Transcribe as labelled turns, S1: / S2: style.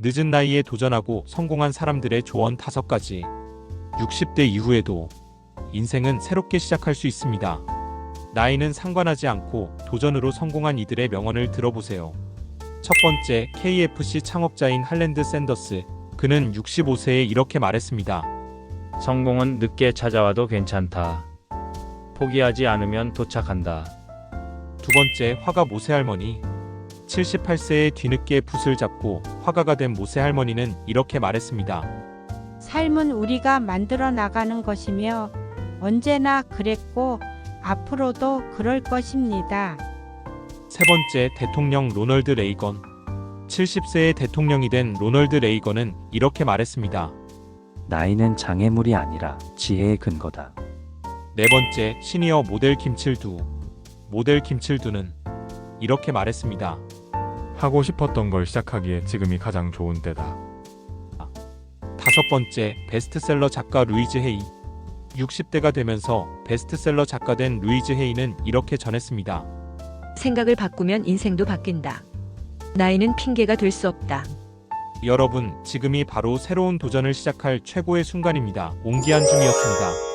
S1: 늦은 나이에 도전하고 성공한 사람들의 조언 5가지. 60대 이후에도 인생은 새롭게 시작할 수 있습니다. 나이는 상관하지 않고 도전으로 성공한 이들의 명언을 들어보세요. 첫 번째, KFC 창업자인 할랜드 샌더스. 그는 65세에 이렇게 말했습니다.
S2: 성공은 늦게 찾아와도 괜찮다. 포기하지 않으면 도착한다.
S1: 두 번째, 화가 모세 할머니. 78세에 뒤늦게 붓을 잡고 화가가 된 모세 할머니는 이렇게 말했습니다.
S3: 삶은 우리가 만들어 나가는 것이며 언제나 그랬고 앞으로도 그럴 것입니다.
S1: 세 번째, 대통령 로널드 레이건. 70세에 대통령이 된 로널드 레이건은 이렇게 말했습니다.
S4: 나이는 장애물이 아니라 지혜의 근거다.
S1: 네 번째, 시니어 모델 김칠두. 모델 김칠두는 이렇게 말했습니다.
S5: 하고 싶었던 걸 시작하기에 지금이 가장 좋은 때다.
S1: 다섯 번째, 베스트셀러 작가 루이즈 헤이. 60대가 되면서 베스트셀러 작가 된 루이즈 헤이는 이렇게 전했습니다.
S6: 생각을 바꾸면 인생도 바뀐다. 나이는 핑계가 될 수 없다.
S1: 여러분, 지금이 바로 새로운 도전을 시작할 최고의 순간입니다. 옹기한 중이었습니다.